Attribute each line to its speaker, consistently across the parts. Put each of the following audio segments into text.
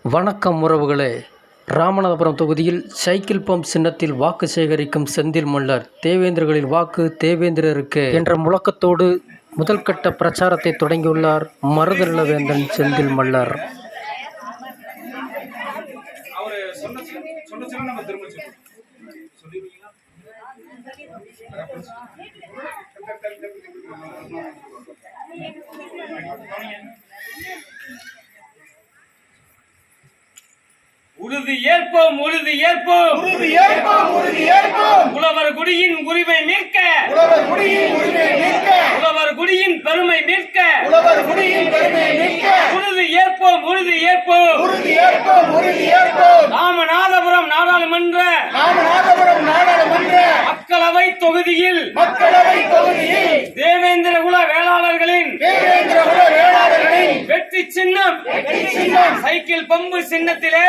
Speaker 1: வணக்கம் உறவுகளே. ராமநாதபுரம் தொகுதியில் சைக்கிள் பம்ப் சின்னத்தில் வாக்கு சேகரிக்கும் செந்தில் மல்லர். தேவேந்திரர்களின் வாக்கு தேவேந்திரருக்கு என்ற முழக்கத்தோடு முதல்கட்ட பிரச்சாரத்தை தொடங்கியுள்ளார் மருதநிலவேந்தன் செந்தில் மல்லர்.
Speaker 2: உறுதி ஏற்போம், உறுதி ஏற்போம்,
Speaker 3: உறுதி ஏற்போம், உறுதி ஏற்போம்.
Speaker 2: உழவர் குடியின் உரிமை மீட்க,
Speaker 3: உழவர் குடியின் உரிமை மீட்க,
Speaker 2: உழவர் குடியின் பெருமை மீட்க,
Speaker 3: உழவர் குடியின் பெருமை மீட்க.
Speaker 2: உறுதி ஏற்போம், உறுதி ஏற்போம்,
Speaker 3: உறுதி ஏற்போம், உறுதி ஏற்போம்.
Speaker 2: ராமநாதபுரம் நாடாளுமன்ற மக்களவை தொகுதியில் தேவேந்திர குல வேளாளர்களின் வெற்றி சின்னம் சைக்கிள் பம்பு சின்னத்திலே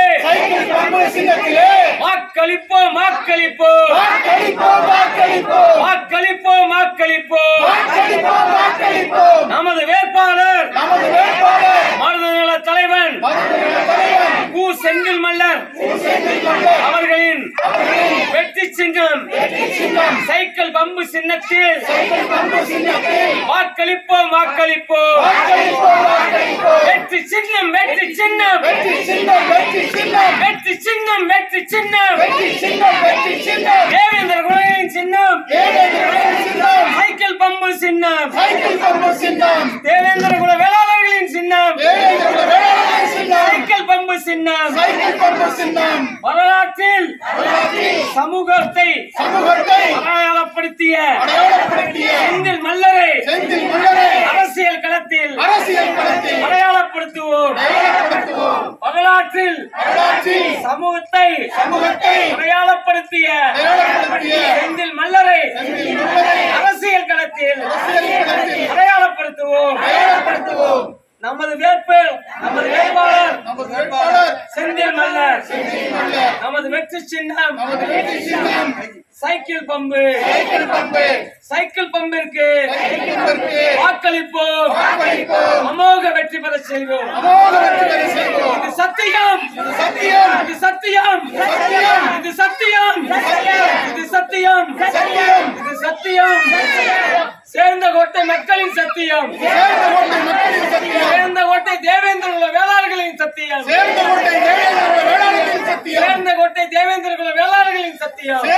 Speaker 2: வாக்களிப்போம், வாக்களிப்போம், வாக்களிப்போம், வாக்களிப்போம். நமது வேட்பாளர் மருதநல தலைவன் கு. செந்தில் மல்லர் அவர்களின் வெற்றி சின்னம் சைக்கிள் பம்பு சின்னத்தில் வாக்களிப்போம், வாக்களிப்போம். வெற்றி சின்னம், வெற்றி சின்னம், வெற்றி சின்னம், வெற்றி சின்னம். தேவேந்திர குலங்களின் சின்னம் சைக்கிள் பம்பு சின்னம், தேவேந்திர குல வேளாளர்களின் சின்னம் சைக்கிள் பம்பு சின்னம். வரலாற்றில் சமூகத்தை அடையாளப்படுத்திய செந்தில் மல்லரை அரசியல் களத்தில் அடையாளப்படுத்துவோம். வரலாற்றில் சமூகத்தை அடையாளப்படுத்திய செந்தில் மல்லரை அரசியல் களத்தில் அடையாளப்படுத்துவோம். நமது வேட்பாளர் செந்தில் மல்லர். நமது வெற்றி சின்னம் சைக்கிள் பம்பு. சைக்கிள் பம்பிற்கு வாக்களிப்போம், அமோக வெற்றி பெற செய்வோம். இது சத்தியம், இது சத்தியம், இது சத்தியம், இது சத்தியம், இது சத்தியம். சேர்ந்த கோட்டை மக்களின் சத்தியம், சேர்ந்த கோட்டை தேவேந்திர குல வேளாளர்களின் சத்தியம், சேர்ந்த கோட்டை தேவேந்திர குல வேளாளர்களின் சத்தியம்.